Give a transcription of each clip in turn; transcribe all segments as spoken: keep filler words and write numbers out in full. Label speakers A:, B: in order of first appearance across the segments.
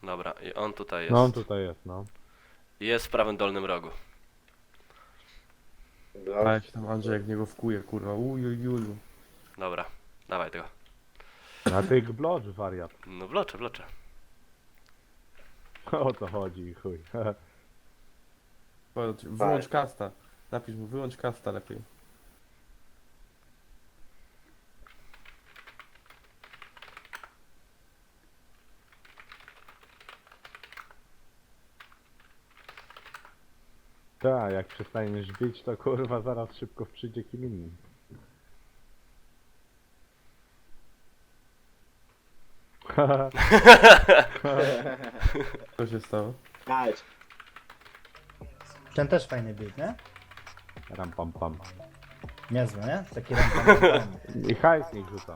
A: Dobra, i on tutaj jest.
B: No on tutaj jest, no.
A: Jest w prawym dolnym rogu.
C: A
D: No,
C: jak się tam Andrzej jak w niego wkuje, kurwa. Ujujuju.
A: Dobra, dawaj tego.
B: Na tych blocz wariat.
A: No wloczę, wloczę.
B: O co chodzi, chuj.
C: Chodź, wyłącz kasta. Napisz mu, wyłącz kasta lepiej.
B: Tak, jak przestaniesz bić, to kurwa zaraz szybko przyjdzie kim innym.
C: Co się stało?
D: Chodź.
E: Ten też fajny bieg, nie?
B: Ram pam pam.
E: Niezły, nie? Taki ram, pam, pam, pam.
B: I hajs niech rzuca.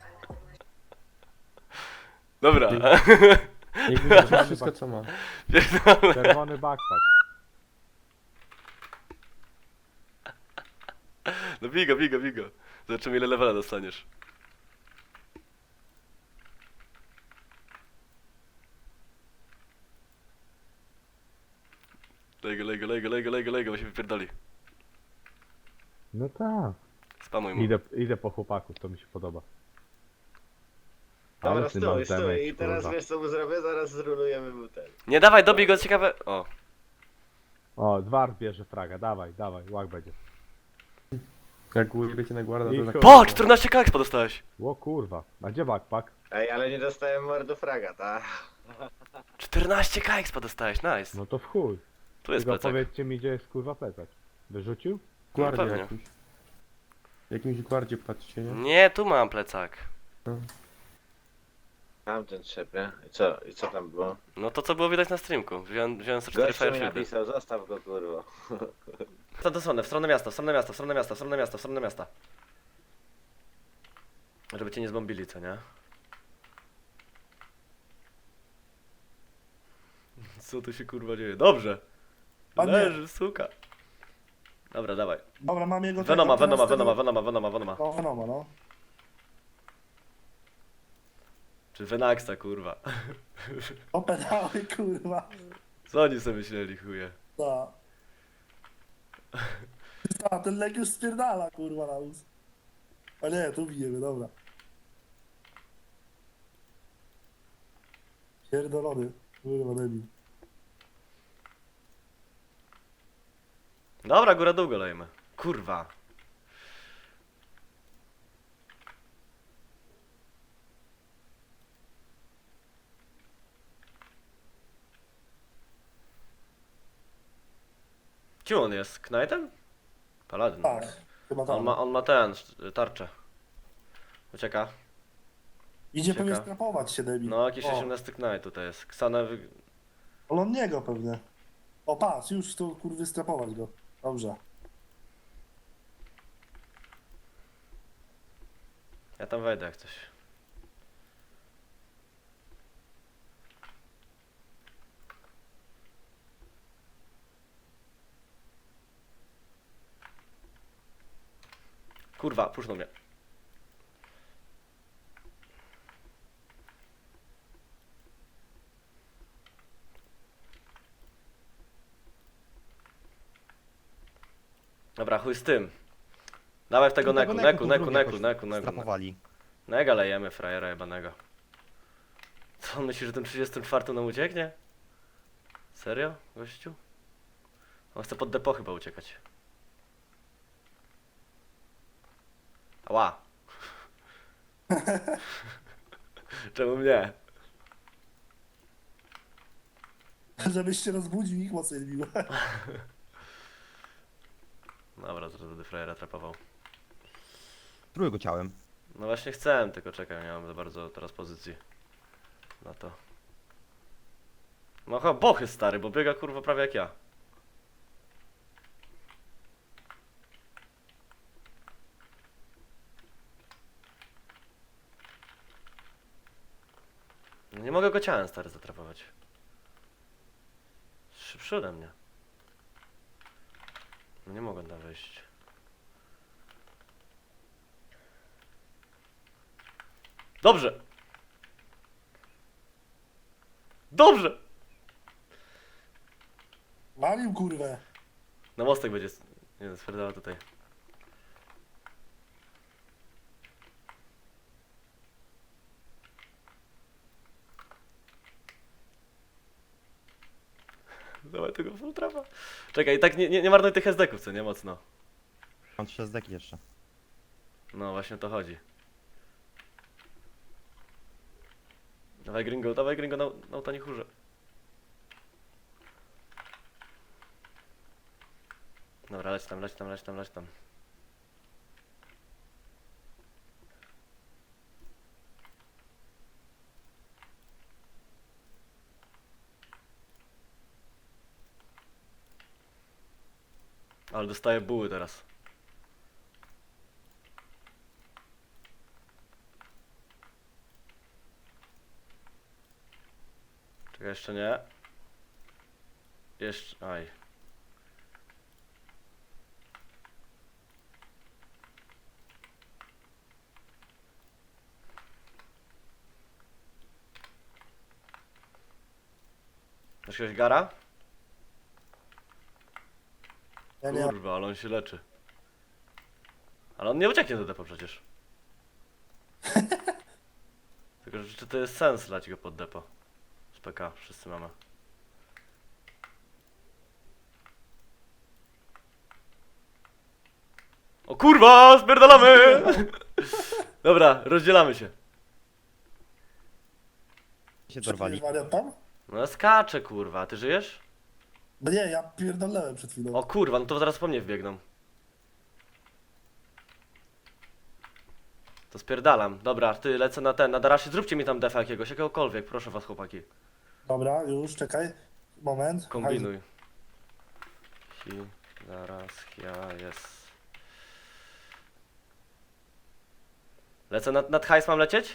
A: Dobra.
C: Niech wyrzuci wszystko co ma.
B: Czerwony backpack.
A: No bigo, bigo, bigo. Zobaczymy ile levela dostaniesz. Lego, lego, lego, lego, lego, lego, bo się wypierdoli.
B: No tak.
A: Spamuj mu.
B: Idę, idę po chłopaków, to mi się podoba.
D: Dobra,
B: Ale ty
D: stój,
B: masz
D: stój.
B: damage,
D: I teraz
B: kurwa.
D: wiesz co mu zrobię? Zaraz zrulujemy mu ten.
A: Nie dawaj, dobij go, ciekawe. O,
B: O, Dwar bierze fraga, dawaj, dawaj, łak będzie.
C: Jak ujebiecie na guarda,
B: I
C: to tak...
B: chuj.
A: po, czternaście kaks podostałeś.
B: O kurwa, a gdzie backpack?
D: Ej, ale nie dostałem mordu fraga, tak?
A: czternaście kaks podostałeś, nice.
B: No to w chuj.
A: Tu jest
B: Tylko
A: plecak.
B: powiedzcie mi, gdzie jest kurwa plecak. Wyrzucił?
C: Guardzie
A: pewnie.
C: jakimś. Jakimś guardzie patrzcie, nie?
A: Nie, tu mam plecak.
D: Tamten trzep, nie? I co? I co tam było?
A: No to co było widać na streamku. Wziąłem, wziąłem sto cztery
D: Gościu mi
A: Fireshieldy.
D: napisał, zostaw go kurwa.
A: W tę stronę, w stronę miasta, w stronę miasta, w stronę miasta, w stronę miasta, w stronę miasta. Żeby cię nie zbombili, co nie? Co tu się kurwa dzieje? Dobrze!
E: A nie.
A: Leży, suka. Dobra, dawaj.
E: Dobra, mam jego...
A: Venoma,
E: tego,
A: Venoma,
E: teraz
A: Venoma,
E: tego-
A: Venoma, Venoma, Venoma.
E: No, Venoma, no.
A: Czy Venaxa, kurwa.
E: O pedały, kurwa.
A: Co oni sobie myśleli, chuje?
E: Ta. Ta, ten lek już spierdala, kurwa, na us. A nie, tu bijemy, dobra. Pierdolony, kurwa, debil.
A: Dobra, góra dół go lejmy. Kurwa. Kim on jest? Knightem? Paladin.
E: Tak, chyba tak.
A: On ma, on ma ten, sz- tarczę. Ucieka.
E: Idzie pewnie
A: Ciekawe.
E: strapować się, debil.
A: No, jakiś
E: O,
A: osiemnasty Knight tutaj jest. Ksanę wy...
E: ale on niego pewnie. O, patrz, już tu, kurwy, strapować go. Dobrze.
A: Ja tam wejdę jak coś. Kurwa, pusznął mnie. Dobra, chuj z tym. Dawaj w tego neku, neku, neku, neku, neku, neku.
F: Strapowali.
A: Nega lejemy frajera jebanego. Co on myśli, że tym trzydziestym czwartym nam ucieknie? Serio, gościu? On chce pod depo chyba uciekać. Ała. Czemu mnie?
E: Żebyś się rozbudził i ich mocniej bił.
A: Dobra, zaraz będę frajera trapował.
F: Spróbuj go ciałem.
A: No właśnie chcę, tylko czekaj, nie mam za bardzo teraz pozycji na to. No chyba bochy stary, bo biega kurwa prawie jak ja. No nie mogę go ciałem stary zatrapować. Szybszy ode mnie. No nie mogę tam wejść. Dobrze! Dobrze!
E: Walił kurwę.
A: Na mostek będzie... Nie, spierdala tutaj. Dawaj tego full trapa. Czekaj, tak nie, nie, nie marnuj tych S D-ków, co nie? Mocno.
F: Mam trzy zdeki jeszcze.
A: No właśnie o to chodzi. Dawaj gringo, dawaj gringo, na, na to nie chórze. Dobra, leć tam, leć tam, leć tam, leć tam. Ale dostaję buły teraz. Czekaj, jeszcze nie. Jeszcze... Aj. Masz jakiegoś gara?
E: Ja nie.
A: Kurwa, ale on się leczy. Ale on nie ucieknie do depo przecież. Tylko, że czy to jest sens lać go pod depo? Z P K, wszyscy mamy. O kurwa, spierdalamy! Dobra, rozdzielamy się.
F: Się
E: Czy
F: dorwali.
E: wariat tam?
A: No ja skaczę kurwa, a ty żyjesz?
E: No nie, ja pierdolnąłem przed chwilą.
A: O kurwa, no to zaraz po mnie wbiegną. To spierdalam. Dobra, ty lecę na ten, na Darasie. Zróbcie mi tam defa jakiegoś, jakiegokolwiek, proszę was chłopaki.
E: Dobra, już, czekaj. Moment.
A: Kombinuj. Hi, zaraz, ja, jest. Lecę nad, nad hajs, mam lecieć?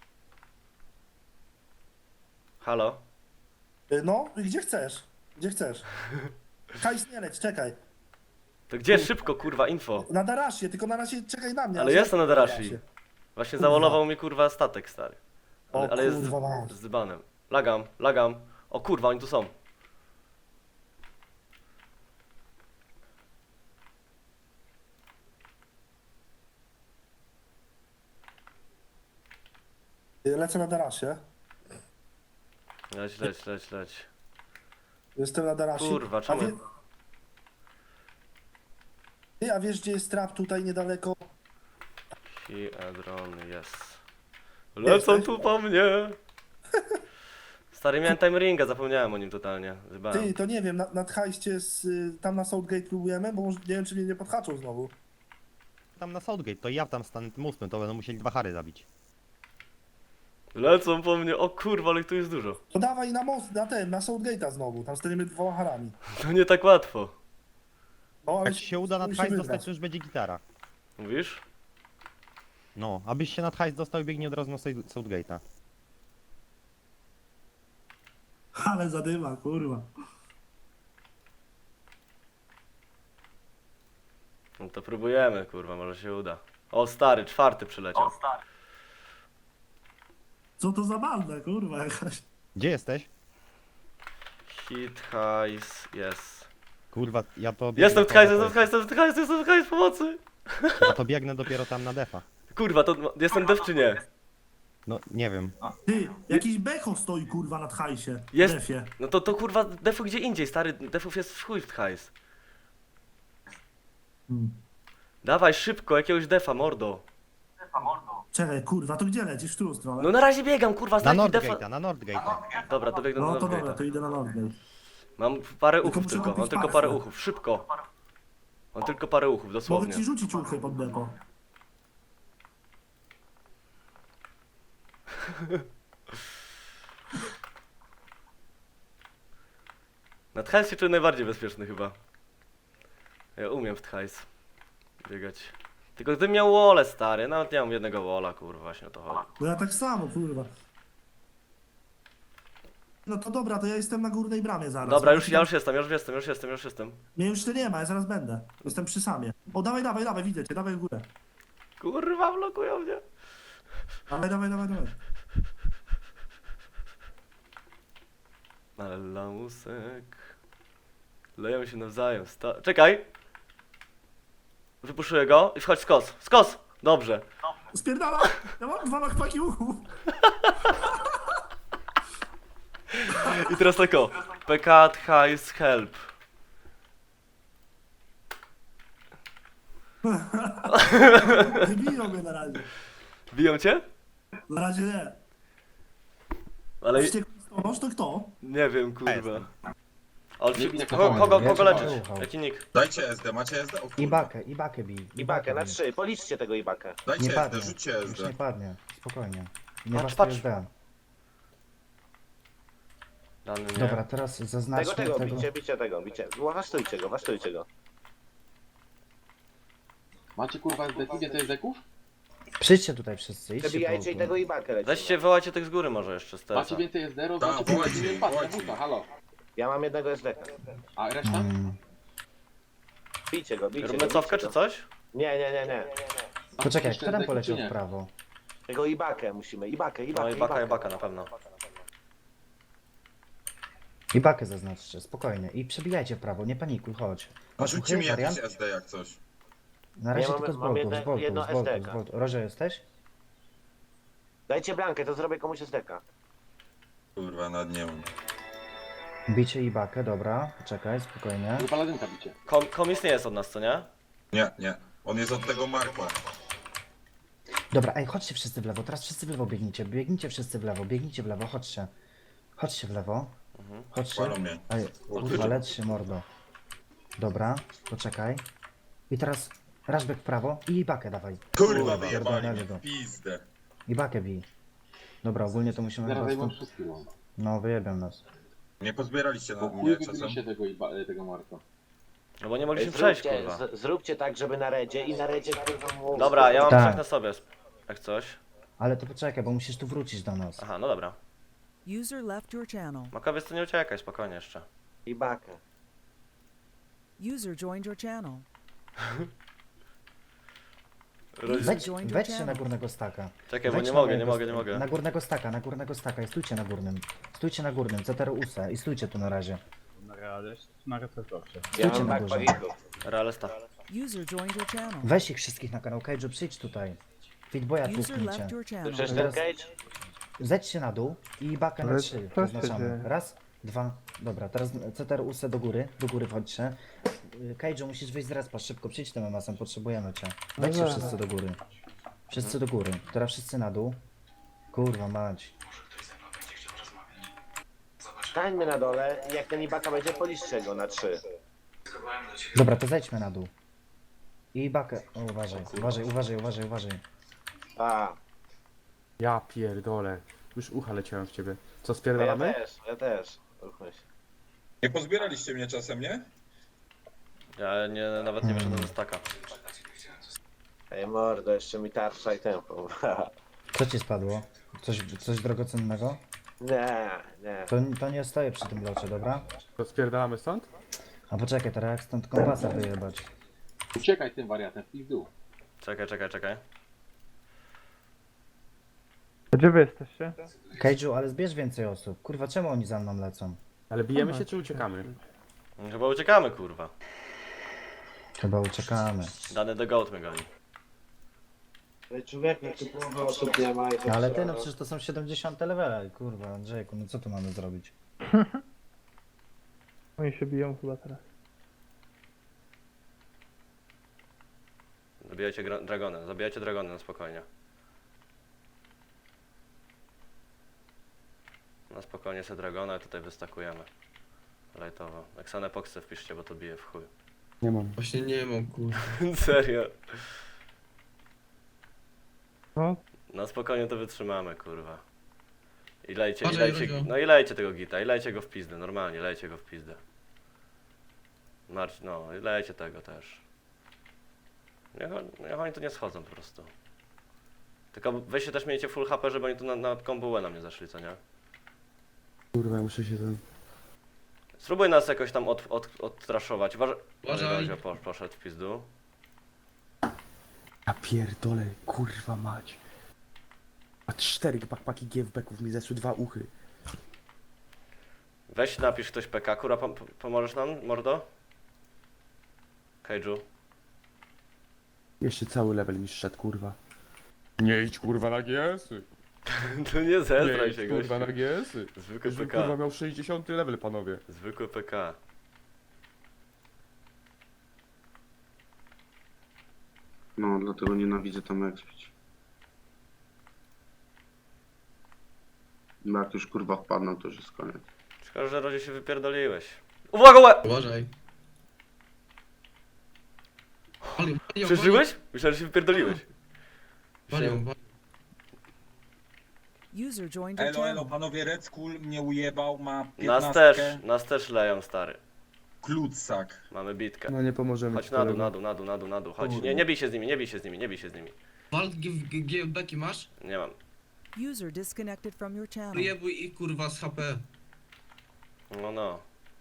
A: Halo?
E: Y, No, i gdzie chcesz? Gdzie chcesz? Hajs nie leć, czekaj.
A: To gdzie? Szybko, kurwa, info.
E: Na Darasie, tylko na razie czekaj na mnie.
A: Ale
E: aż
A: jestem
E: ja-
A: na Darashi. Właśnie
E: Kurwa.
A: zawolował mi kurwa statek stary. Ale,
E: O
A: ale jest
E: kurwa, mać.
A: z dybanem. Lagam, lagam. O kurwa, oni tu są.
E: Y, Lecę na Darasie.
A: Leć, leć, leć, leć.
E: Jestem na Darasie.
A: Kurwa,
E: A,
A: czemu?
E: wie... Ty, a wiesz gdzie jest trap tutaj niedaleko?
A: Hi, Edron, jest. Lecą
E: Jesteś?
A: tu po mnie. Stary, miałem time ringa, zapomniałem o nim totalnie. Zbałem.
E: Ty, to nie wiem, na, nad hajście z, y, tam na Southgate próbujemy, bo może, nie wiem czy mnie nie podhaczą znowu.
F: Tam na Southgate, to ja tam stanę tym ósmym, to będą musieli dwa hary zabić.
A: Lecą po mnie, o kurwa, ale ich tu jest dużo.
E: To dawaj na most, na ten, na Southgate'a znowu, tam staniemy dwoma harami.
A: To nie tak łatwo.
E: No, ale
F: Jak ci się uda nad
E: musimy
F: hajs
E: wygrać.
F: dostać, to już będzie gitara.
A: Mówisz?
F: No, abyś się nad hajs dostał i biegnie od razu na Sou- Southgate'a.
E: Ale zadyma, kurwa.
A: No to próbujemy, kurwa, może się uda. O stary, czwarty przyleciał.
E: Co to za banda, kurwa jakaś.
F: Gdzie jesteś?
A: Hit, hajs, jest.
F: Kurwa, ja to...
A: Jestem w
F: biegnę
A: hajs,
F: po-
A: jestem w hajs, jestem w hajs, jestem w hajs, pomocy!
F: Ja to biegnę dopiero tam na defa.
A: Kurwa, to jestem dev czy nie?
F: No, nie wiem.
E: Ty, jakiś becho stoi kurwa nad hajsie.
A: Jest.
E: Defie.
A: No to, to kurwa defu gdzie indziej, stary, defów jest w chuj w hajs.
E: Hmm.
A: Dawaj szybko, jakiegoś defa, mordo.
E: Czekaj, kurwa, to gdzie lecisz? W którą stronę?
A: No na razie biegam, kurwa,
F: Na
A: znajdź mi defa.
F: Nordgate'a, na Nordgate'a.
A: Dobra, dobiegnę
E: No
A: do
E: to dobra,
A: Northgate'a.
E: to idę na Nordgate.
A: Mam parę
E: Tylko
A: uchów
E: muszę
A: tylko,
E: kupić
A: mam tylko
E: pasy.
A: parę uchów, szybko. Mam tylko parę uchów,
E: Mogę
A: dosłownie.
E: ci rzucić uchy pod depo.
A: Na Tchajs się czuję najbardziej bezpieczny chyba. Ja umiem w Tchajs biegać. Tylko gdybym miał wole stary, nawet nie mam jednego wola, kurwa, właśnie o to chodzi.
E: No ja tak samo, kurwa. No to dobra, to ja jestem na górnej bramie zaraz.
A: Dobra,
E: Ja
A: już,
E: ci
A: ja
E: tam-
A: już jestem, już jestem, już jestem, już jestem.
E: Mnie już tu nie ma, ja zaraz będę. Jestem przy samie. O, dawaj, dawaj, dawaj, widzę cię, dawaj w górę.
A: Kurwa, blokują mnie.
E: Dawaj, dawaj, dawaj, dawaj.
A: Ale lamusek. Leją się nawzajem. Sta Czekaj! Wypuszuję go i wchodź skos. Skos! Dobrze.
E: Spierdala! Ja mam dwa machpaki uchu.
A: I teraz tak o. P K, hajs, help.
E: Nie biją mnie na razie.
A: Biją cię?
E: Na razie nie.
A: Ale
E: Wściekły stolarz to kto?
A: nie wiem, kurwa. Ale czy,
G: Nie,
A: kogo,
G: nie,
A: kogo,
B: nie,
A: kogo
B: nie,
A: leczyć?
B: nie.
A: Jaki nick?
G: Dajcie S D, macie S D? O kurwa.
B: Ibakę, Ibakę bij.
D: Ibakę na
B: bij.
D: trzy, policzcie tego Ibakę.
G: Dajcie
B: Nie
G: S D,
B: padnie.
G: rzućcie S
B: Już
G: D.
B: nie padnie. Spokojnie. Nie
A: Patrz,
B: masz
A: patrz.
B: S D.
A: Dany nie.
B: Dobra, teraz
D: Tego,
B: zaznaczmy
D: tego,
B: tego.
D: bicie, bicie tego, bicie. Wasztujcie go, wasztujcie go.
G: Macie kurwa S D, ile to jest deków?
B: Przyjdźcie tutaj wszyscy, idźcie
D: Przebijajcie i tego
B: po...
D: Ibakę lecimy.
A: Weźcie, wołajcie tych z góry może jeszcze z
G: Macie
A: tersa.
G: więcej S D,
H: Tak,
G: rozdajcie
H: wołajcie,
G: jeden pas na
H: wołajcie.
G: buta, halo.
D: Ja mam jednego S D K.
G: A reszta?
B: Mm.
D: Bijcie go, bijcie
A: Robimy
D: go.
A: cofkę
D: bijcie
A: czy
D: go.
A: coś?
D: Nie, nie, nie, nie.
B: Poczekaj,
G: Jeszcze
B: kto tam
G: S D -ków,
B: poleciał
G: czy nie?
B: w prawo?
D: Tego Ibakę musimy, Ibakę, Ibakę,
A: No i baka, i baka na pewno.
B: Ibakę zaznaczcie, spokojnie. I przebijajcie w prawo, nie panikuj, chodź.
H: A
B: Masz
H: rzućcie mi
B: uchyl,
H: jakiś
B: wariant?
H: S D jak coś.
B: Na razie
D: Ja mam-
B: tylko z
D: mam
B: boltów,
D: jedno-
B: z boltów,
D: jedno
B: z boltów, z
D: S D K.
B: boltów. Roże jesteś?
D: Dajcie blankę, to zrobię komuś S D K.
H: Kurwa, nad nie mam.
B: Bicie Ibakę, dobra. Poczekaj, spokojnie.
G: Wy paladynka bicie.
A: Kom komis nie jest od nas, co nie?
H: Nie, nie. On jest od tego Marko.
B: Dobra, ej, chodźcie wszyscy w lewo, teraz wszyscy w lewo biegnijcie. Biegnijcie wszyscy w lewo, biegnijcie w lewo, chodźcie. Chodźcie w lewo. Chodźcie.
H: Palą mnie.
B: Ej, kurwa, lecz się mordo. Dobra, poczekaj. I teraz raszbek w prawo i Ibakę dawaj.
H: Kurwa, wyjebali
B: pierdolę
H: mnie.
B: go.
H: w Pizdę.
B: Ibakę bij. Dobra, ogólnie to musimy
G: Zaraz
B: chyba
G: zajmą
B: stąd...
G: wszystkie mam.
B: No, wyjebią nas.
H: Nie pozbieraliście na
G: Bo chuj
H: mnie czasem?
G: wybiliście tego, iba- tego Marko.
A: No bo nie mogliśmy przejść,
D: Zróbcie,
A: kurwa.
D: z, zróbcie tak, żeby na redzie i na redzie kurwa mu-
A: Dobra, ja mam
B: Tak.
A: trzech na sobie, jak coś.
B: Ale to poczekaj, bo musisz tu wrócić do nas.
A: Aha, no dobra.
I: User left your channel.
A: Makowiec to nie uciekaj, spokojnie jeszcze.
D: Ibakę.
I: User joined your channel.
A: Roz...
B: Wejdź,
I: join your
B: wejdźcie na
I: channel.
B: górnego staka.
A: Czekaj, bo
B: Wejdź
A: nie
B: na
A: mogę, nie
B: mojego
A: mogę, nie
B: sta-
A: mogę.
B: Na górnego staka, na górnego staka i stójcie na górnym. Stójcie na górnym, C T R U S A i stójcie tu na razie.
D: Ja
B: Stójcie
D: mam
B: na górze.
D: backpackików.
A: Realesta.
I: User joined your channel.
B: Weź ich wszystkich na kanał Cage'u, przyjdź tutaj. Fitboya
I: User
B: tłuknijcie.
I: left your channel.
D: Przecież ten
B: Teraz-
D: cage?
B: Zejdźcie na dół i bakę na
C: Ale
B: trzy
C: co się
B: zaznaczamy.
C: dzieje?
B: Raz, dwa, dobra, teraz C T R U S A do góry, do góry wchodźcie. Y, Cage'u musisz wyjść z respa, szybko, przyjdź tym masem, potrzebujemy cię. Wejdźcie wszyscy do góry. Wszyscy do góry, teraz wszyscy na dół. Kurwa mać.
D: Stańmy na dole i jak ten Ibaka będzie, policzcie go na trzy.
B: Dobra, to zejdźmy na dół. I bakę, o, uważaj, uważaj, uważaj, uważaj, uważaj.
D: A,
C: Ja pierdolę. Już ucha leciałem w ciebie. Co,
D: to ja
C: spierdalamy?
D: też, ja też. Ruchmy się.
H: Nie pozbieraliście mnie czasem, nie?
A: Ja nie, nawet nie wyszedłem ze staka.
D: Ej mordo, jeszcze mi tarcza i tempo.
B: Co ci spadło? Coś, coś drogocennego?
D: Nie, nie.
B: To, to nie stoję przy tym locie, dobra?
C: To spierdalamy stąd?
B: A poczekaj, teraz jak stąd kompasa wyjebać.
G: Uciekaj tym wariatem, w pizdu.
A: Czekaj, czekaj, czekaj.
J: Gdzie wy jesteście?
B: Cage'u, ale zbierz więcej osób. Kurwa, czemu oni za mną lecą?
C: Ale bijemy się czy uciekamy?
A: Chyba uciekamy, kurwa.
B: Chyba uciekamy.
A: Dany do goat mnie goni.
D: Ale człowiek, jak tu połowy osób nie ma i to
B: No ale ty,
D: trzeba-
B: no przecież to są siedemdziesiąte levele. Kurwa, Andrzejku, no co tu mamy zrobić?
J: Oni się biją chyba teraz.
A: Zabijajcie gra- dragony, zabijajcie dragony na spokojnie. Na spokojnie se dragona i tutaj wystakujemy. Lajtowo. Eksanę poksę wpiszcie, bo to bije w chuj.
C: Nie mam.
H: Właśnie nie mam, kurwa.
A: Serio.
J: No,
A: Na spokojnie to wytrzymamy, kurwa. I lejcie, i
H: Uważaj,
A: lejcie,
H: Ruzio.
A: no i lejcie tego gita, i lejcie go w pizdę, normalnie, lejcie go w pizdę. Marcz, no, i lejcie tego też. Niech, on- niech oni tu nie schodzą po prostu. Tylko weźcie też miejcie full H P, żeby oni tu na, na kombułę na mnie zaszli, co nie?
C: Kurwa, ja muszę się ten...
A: Spróbuj nas jakoś tam od, od, odtraszować. Uważaj.
H: Uważaj.
A: Ruzio po, poszedł w pizdu.
C: Ja pierdolę, kurwa mać. A cztery backpacki G F B-ków mi zeszły dwa uchy.
A: Weź napisz ktoś P K, kurwa, pom pomożesz nam, mordo? Kaiju.
C: Jeszcze cały level mi szedł, kurwa. Nie idź kurwa na G S-y.
A: To nie
C: Nie
A: zestraj
C: idź
A: się,
C: kurwa na
A: gościu.
C: G S-y.
A: Zwykły
C: Żebym
A: P
C: kurwa
A: K.
C: miał sześćdziesiąty level, panowie.
A: Zwykły P K.
D: No, dlatego nienawidzę tam expić. Bo jak już kurwa wpadną, to już jest koniec.
A: Szkoda, że rodzie się wypierdoliłeś. Uwaga, łe!
H: Uważaj.
A: Przeżyłeś? Myślałem, że się wypierdoliłeś. Myślałem-
I: User joined your
H: Elo, elo,
I: channel.
H: panowie, Red Skull mnie ujebał, ma
A: Nas
H: piętnastkę.
A: też, nas też leją, stary.
H: Klutsak.
A: Mamy bitkę.
C: No nie pomożemy
A: Chodź
C: ci,
A: na dół,
C: kolego.
A: na dół, na dół, na dół, na dół, chodź.
H: Kurwa.
A: Nie, nie bij się z nimi, nie bij się z nimi, nie bij się z nimi.
K: Walt, G M B masz?
A: Nie mam.
I: User disconnected from your channel.
K: Wyjebuj ich kurwa z H P.
A: No, no.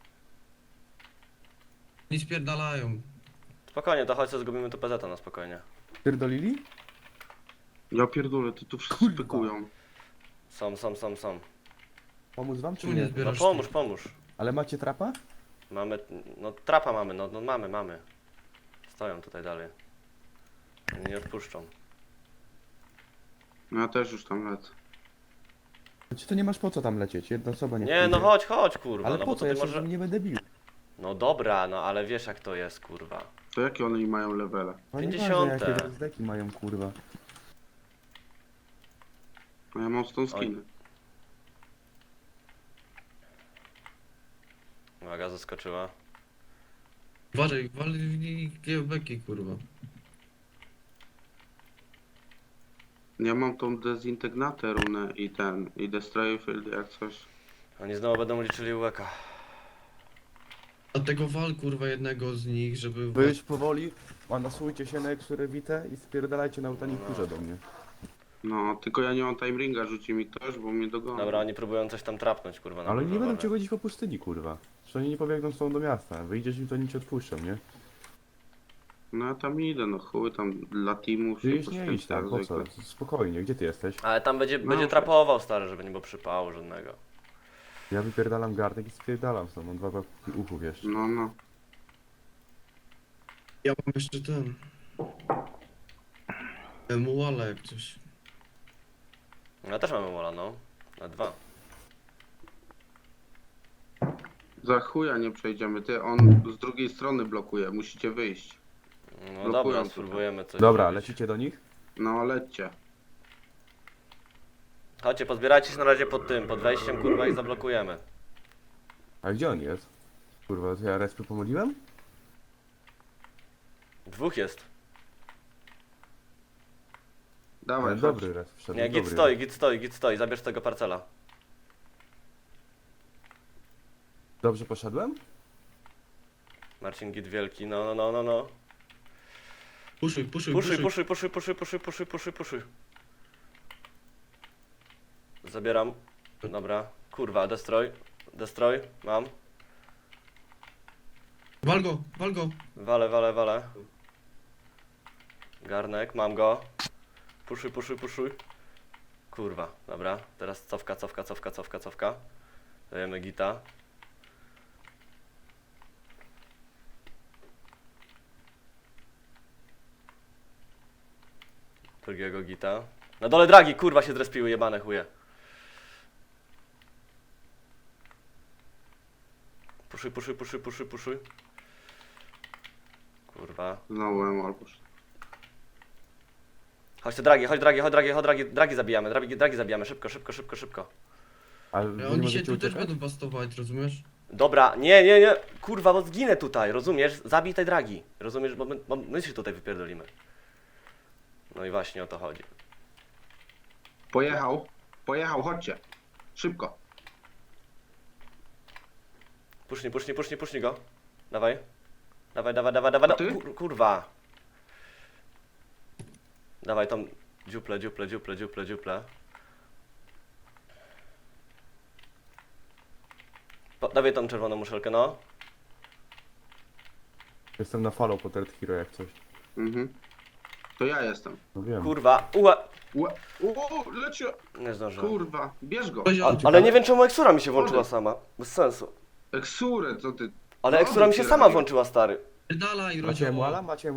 K: Nie spierdalają.
A: Spokojnie, to chodź, co zgubimy tu P Z na spokojnie.
C: Pierdolili?
D: Ja pierdolę, ty tu wszyscy
C: Kurwa.
D: spekują.
A: Są, są, są, są.
C: Pomóc wam czy
K: Czemu nie
C: nie?
A: No
K: zbierasz?
A: pomóż, pomóż.
C: Ale macie trapa?
A: Mamy, no trapa mamy, no, no mamy, mamy. Stoją tutaj dalej. Oni nie odpuszczą.
D: No ja też już tam lecę.
C: Czy to nie masz po co tam lecieć? Jedna osoba nie
A: Nie, no
C: pójdzie.
A: chodź, chodź, kurwa.
C: Ale
A: no
C: po
A: bo
C: co?
A: to
C: Ja
A: ty
C: się
A: może...
C: nie będę bił.
A: No dobra, no ale wiesz jak to jest, kurwa.
D: To jakie one mają levele?
C: No nie
A: pięćdziesiąte.
C: ważne, jakie zdeki mają, kurwa.
D: No ja mam stąd skiny.
A: Uwaga, zaskoczyła.
K: Uważaj, wal G M B kurwa.
D: Ja mam tą dezintegnatę runę i ten, i Destroy Field jak coś.
A: Oni znowu będą liczyli łeka.
K: Dlatego wal kurwa jednego z nich, żeby...
C: Wy już powoli, manasujcie się na eksurewitę i spierdalajcie na utani kurze do mnie.
D: No, tylko ja nie mam time ringa, rzuci mi ktoś, bo mnie dogoni.
A: Dobra, oni próbują coś tam trapnąć, kurwa. na
C: Ale
A: górze,
C: nie będą
A: uważaj.
C: cię godzić po pustyni, kurwa. Że oni nie pobiegną z tobą do miasta. Wyjdziesz im, to nic ci odpuszczą, nie?
D: No ja tam idę, no chuj, tam dla teamów
C: Ty
D: się
C: już nie
D: poświęcę
C: idź tam,
D: jak
C: po co?
D: zwykle.
C: Spokojnie, gdzie ty jesteś?
A: Ale tam będzie,
D: No,
A: będzie
D: okej.
A: trapował, stary, żeby nie było przypału żadnego.
C: Ja wypierdalam gardek i spierdalam stąd, mam dwa papki uchów jeszcze.
D: No, no.
K: Ja mam jeszcze ten... Muala jak coś.
A: Ja też mamy mola, no. Na dwa.
D: Za chuja nie przejdziemy, ty, on z drugiej strony blokuje, musicie wyjść.
A: No
D: Blokują
A: dobra,
D: tutaj.
A: spróbujemy coś
C: Dobra,
A: zrobić.
C: lecicie do nich?
D: No, lećcie.
A: Chodźcie, pozbierajcie się na razie pod tym, pod wejściem, kurwa, i zablokujemy.
C: A gdzie on jest? Kurwa, to ja respy pomyliłem?
A: Dwóch jest.
D: Dawaj,
C: Ale
D: chodź.
C: dobry res wszedł.
A: Nie, git
C: dobry
A: stoi,
C: res.
A: git stoi, git stoi, zabierz tego parcela.
C: Dobrze poszedłem?
A: Marcin, git wielki, no, no, no, no, no.
K: Puszuj, puszuj,
A: Puszuj,
K: puszuj.
A: puszuj, puszuj, puszuj, puszuj, puszuj, puszuj, puszuj. Zabieram. Dobra. Kurwa, destroy. Destroy, mam.
K: Wal go, wal go.
A: Wale, wale, wale. Garnek, mam go. Puszuj, puszuj, puszuj. Kurwa, dobra. Teraz cofka, cofka, cofka, cofka, cofka. Dajemy gita. Drugiego gita. Na dole dragi, kurwa, się zrespiły, jebane chuje. Puszuj, puszuj, puszuj, puszuj, puszuj. Kurwa.
D: Znowu emal poszedł.
A: Chodźcie dragi, chodź dragi, chodź dragi, chodź dragi, dragi zabijamy, dragi, dragi zabijamy, szybko, szybko, szybko, szybko.
C: Ale wy
K: Ja,
C: nie
K: oni się
C: możecie
K: tu też
C: uciekać?
K: będą bastować, rozumiesz?
A: Dobra, nie, nie, nie, kurwa, bo zginę tutaj, rozumiesz? Zabij tej dragi, rozumiesz, bo my, bo my się tutaj wypierdolimy. No i właśnie o to chodzi.
D: Pojechał, pojechał, chodźcie. Szybko.
A: Pusznij, pusznij, pusznij, pusznij go. Dawaj. Dawaj, dawaj, dawaj, dawaj,
D: A ty?
A: kur, kurwa. Dawaj tą dziuplę, dziuplę, dziuplę, dziuplę, dziuplę. Po, dawaj tą czerwoną muszelkę, no.
C: Jestem na follow po Third Hero jak coś.
D: Mhm. To ja jestem.
C: No wiem.
A: Kurwa, ue.
D: Ue- O, leci.
A: Nie zdążyłem.
D: Kurwa, bierz go.
K: Poziom.
A: A, ale nie wiem czemu Eksura mi się włączyła sama. Bez sensu.
D: Eksurę, co ty?
A: Ale
D: No,
A: Eksura mi się
D: wycieraj.
A: sama włączyła, stary.
K: Dalej,
C: Macie
K: rodzioło.
C: muala? Macie